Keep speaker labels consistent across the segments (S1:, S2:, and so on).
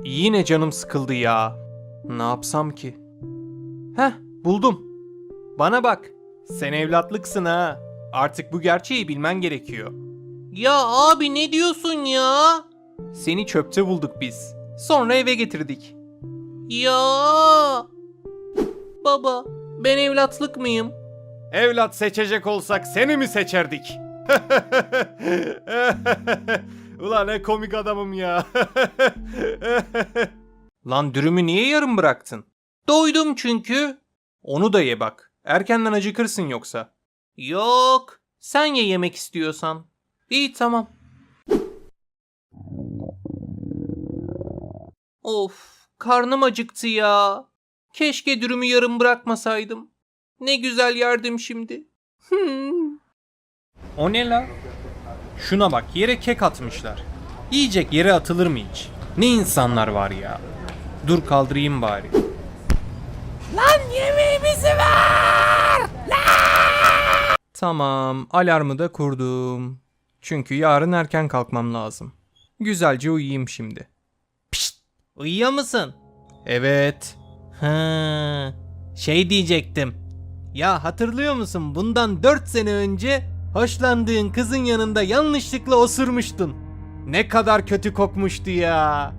S1: Yine canım sıkıldı ya. Ne yapsam ki? Heh, buldum. Bana bak. Sen evlatlıksın ha. Artık bu gerçeği bilmen gerekiyor. Ya abi ne diyorsun ya? Seni çöpte bulduk biz. Sonra eve getirdik. Ya baba, ben evlatlık mıyım? Evlat seçecek olsak seni mi seçerdik? Ulan ne komik adamım ya. Lan dürümü niye yarım bıraktın? Doydum çünkü. Onu da ye bak. Erkenden acıkırsın yoksa. Yok. Sen ye yemek istiyorsan. İyi tamam. Of, karnım acıktı ya. Keşke dürümü yarım bırakmasaydım. Ne güzel yerdim şimdi. O ne la? Şuna bak, yere kek atmışlar. Yiyecek yere atılır mı hiç? Ne insanlar var ya. Dur kaldırayım bari. Lan yemeğimizi ver! Tamam, alarmı da kurdum. Çünkü yarın erken kalkmam lazım. Güzelce uyuyayım şimdi. Pişt! Uyuyor musun? Evet. Ha, şey diyecektim. Ya hatırlıyor musun? Bundan 4 sene önce hoşlandığın kızın yanında yanlışlıkla osurmuştun. Ne kadar kötü kokmuştu ya.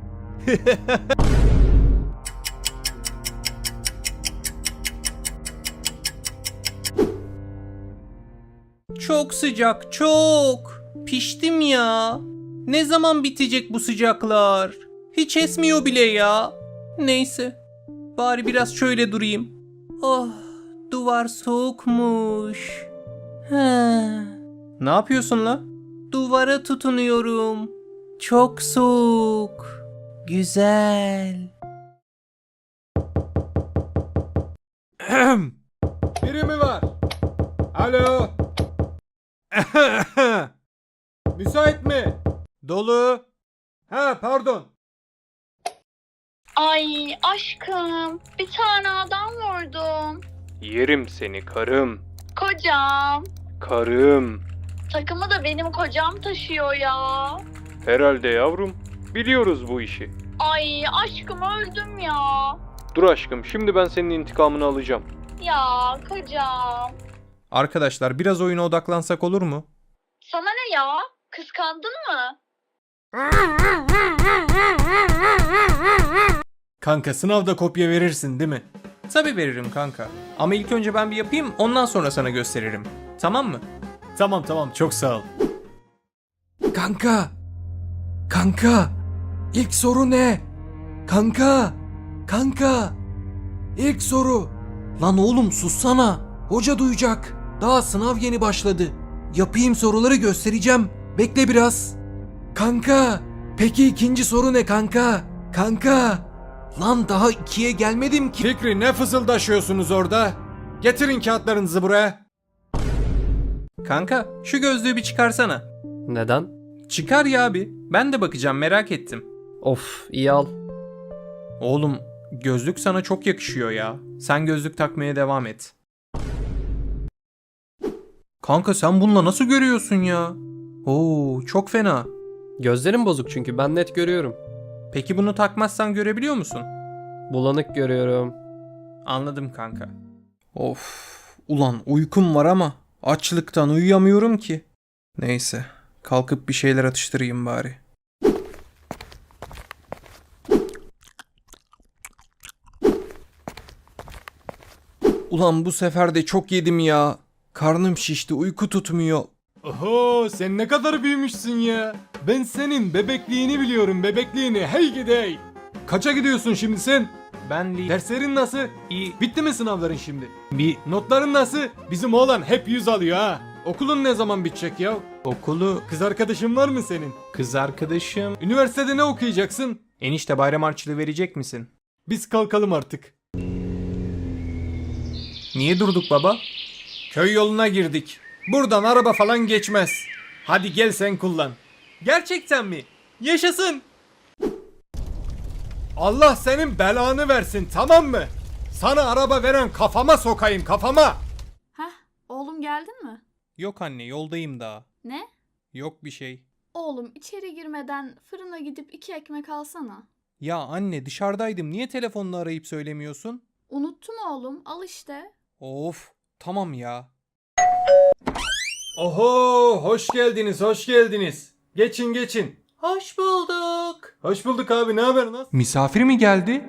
S1: Çok sıcak, çok. Piştim ya. Ne zaman bitecek bu sıcaklar? Hiç esmiyor bile ya. Neyse. Bari biraz şöyle durayım. Oh, duvar soğukmuş. He. Ne yapıyorsun la? Duvara tutunuyorum. Çok soğuk. Güzel. Biri mi var? Alo. Müsait mi? Dolu. Ha pardon.
S2: Ay aşkım, bir tane adam vurdum.
S1: Yerim seni karım.
S2: Kocam.
S1: Karım.
S2: Takımı da benim kocam taşıyor ya.
S1: Herhalde yavrum. Biliyoruz bu işi.
S2: Ay aşkım öldüm ya.
S1: Dur aşkım, şimdi ben senin intikamını alacağım.
S2: Ya kocam.
S1: Arkadaşlar biraz oyuna odaklansak olur mu?
S2: Sana ne ya? Kıskandın mı?
S1: Kanka sınavda kopya verirsin değil mi? Tabii veririm kanka. Ama ilk önce ben bir yapayım, ondan sonra sana gösteririm. Tamam mı? Tamam çok sağ ol.
S3: Kanka! Kanka! İlk soru ne? Kanka! Kanka! İlk soru! Lan oğlum sussana! Hoca duyacak. Daha sınav yeni başladı. Yapayım soruları göstereceğim. Bekle biraz. Kanka! Peki ikinci soru ne kanka? Kanka! Lan daha ikiye gelmedim ki.
S1: Fikri ne fısıldaşıyorsunuz orada? Getirin kağıtlarınızı buraya. Kanka şu gözlüğü bir çıkarsana.
S4: Neden?
S1: Çıkar ya abi. Ben de bakacağım, merak ettim.
S4: Of, iyi al.
S1: Oğlum gözlük sana çok yakışıyor ya. Sen gözlük takmaya devam et. Kanka sen bununla nasıl görüyorsun ya? Oo çok fena.
S4: Gözlerim bozuk çünkü ben net görüyorum.
S1: Peki bunu takmazsan görebiliyor musun?
S4: Bulanık görüyorum.
S1: Anladım kanka. Of ulan uykum var ama açlıktan uyuyamıyorum ki. Neyse kalkıp bir şeyler atıştırayım bari. Ulan bu sefer de çok yedim ya. Karnım şişti, uyku tutmuyor. Oho sen ne kadar büyümüşsün ya. Ben senin bebekliğini biliyorum, bebekliğini. Hey gidey. Kaça gidiyorsun şimdi sen? Ben derslerin nasıl? İyi. Bitti mi sınavların şimdi? Notların nasıl? Bizim oğlan hep 100 alıyor ha. Okulun ne zaman bitecek ya? Okulu... Kız arkadaşın var mı senin? Kız arkadaşım... Üniversitede ne okuyacaksın? Enişte bayram harçlığı verecek misin? Biz kalkalım artık. Niye durduk baba? Köy yoluna girdik. Buradan araba falan geçmez. Hadi gel sen kullan. Gerçekten mi? Yaşasın. Allah senin belanı versin, tamam mı? Sana araba veren kafama sokayım, kafama.
S5: Heh, oğlum geldin mi?
S1: Yok anne, yoldayım daha.
S5: Ne?
S1: Yok bir şey.
S5: Oğlum içeri girmeden fırına gidip 2 ekmek alsana.
S1: Ya anne dışarıdaydım. Niye telefonla arayıp söylemiyorsun?
S5: Unuttum oğlum. Al işte.
S1: Of, tamam ya. Oho, hoş geldiniz, hoş geldiniz. Geçin, geçin. Hoş bulduk. Hoş bulduk abi, ne haber, nasıl? Misafir mi geldi?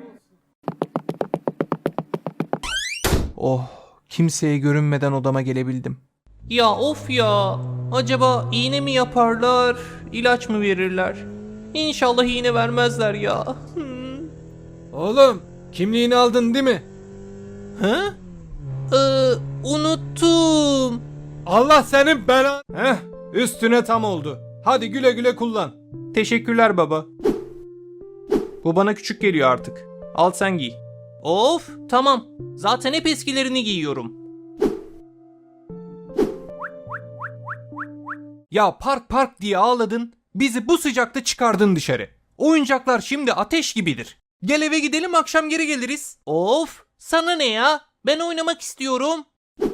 S1: Oh, kimseye görünmeden odama gelebildim.
S6: Ya of ya. Acaba iğne mi yaparlar, ilaç mı verirler? İnşallah iğne vermezler ya.
S1: Oğlum, kimliğini aldın değil mi?
S6: Hı? Unuttum.
S1: Allah senin belan. Heh, üstüne tam oldu. Hadi güle güle kullan.
S6: Teşekkürler baba. Bu bana küçük geliyor artık. Al sen giy. Of, tamam. Zaten hep eskilerini giyiyorum.
S1: Ya park park diye ağladın. Bizi bu sıcakta çıkardın dışarı. Oyuncaklar şimdi ateş gibidir. Gel eve gidelim, akşam geri geliriz.
S6: Of, sana ne ya? Ben oynamak istiyorum.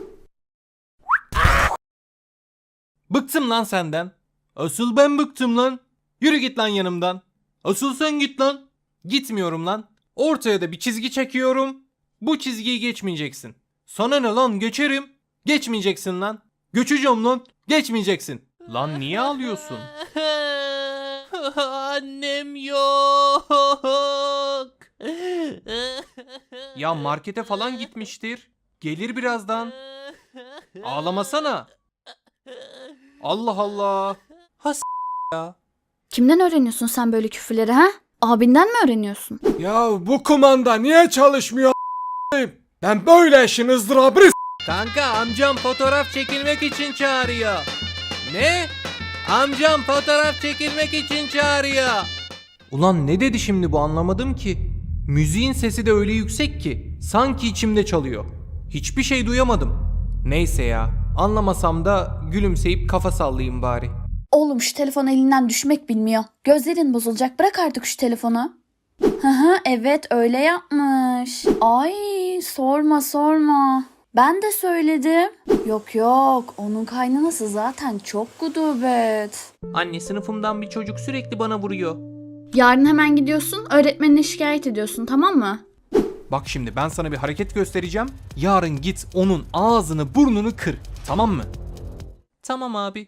S1: Bıktım lan senden. Asıl ben bıktım lan. Yürü git lan yanımdan. Asıl sen git lan. Gitmiyorum lan. Ortaya da bir çizgi çekiyorum. Bu çizgiyi geçmeyeceksin. Sana ne lan, geçerim. Geçmeyeceksin lan. Göçeceğim lan. Geçmeyeceksin. Lan niye ağlıyorsun?
S6: Annem yok.
S1: Ya markete falan gitmiştir. Gelir birazdan. Ağlamasana. Allah Allah.
S5: Kimden öğreniyorsun sen böyle küfürleri ha? Abinden mi öğreniyorsun?
S1: Ya bu kumanda niye çalışmıyor? Ben böyle işin ızdırabını
S6: Kanka amcam fotoğraf çekilmek için çağırıyor. Ne? Amcam fotoğraf çekilmek için çağırıyor.
S1: Ulan ne dedi şimdi bu, anlamadım ki. Müziğin sesi de öyle yüksek ki sanki içimde çalıyor. Hiçbir şey duyamadım. Neyse ya, anlamasam da gülümseyip kafa sallayayım bari.
S5: Oğlum şu telefon elinden düşmek bilmiyor. Gözlerin bozulacak. Bırak artık şu telefonu. Hı hı, evet öyle yapmış. Ay sorma sorma. Ben de söyledim. Yok yok, onun kaynanası zaten çok gudubet.
S6: Anne, sınıfımdan bir çocuk sürekli bana vuruyor.
S5: Yarın hemen gidiyorsun, öğretmenine şikayet ediyorsun, tamam mı?
S1: Bak şimdi ben sana bir hareket göstereceğim. Yarın git onun ağzını burnunu kır. Tamam mı?
S6: Tamam abi.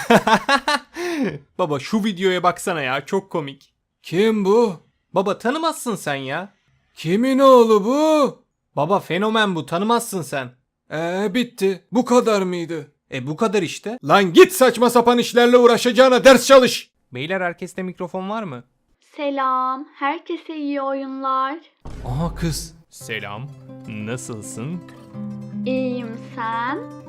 S1: Baba şu videoya baksana ya, çok komik. Kim bu? Baba tanımazsın sen ya. Kimin oğlu bu? Baba fenomen bu, tanımazsın sen. Bitti. Bu kadar mıydı? Bu kadar işte. Lan git saçma sapan işlerle uğraşacağına ders çalış. Beyler, herkeste mikrofon var mı?
S5: Selam, herkese iyi oyunlar.
S1: Aha kız. Selam. Nasılsın?
S5: İyiyim sen?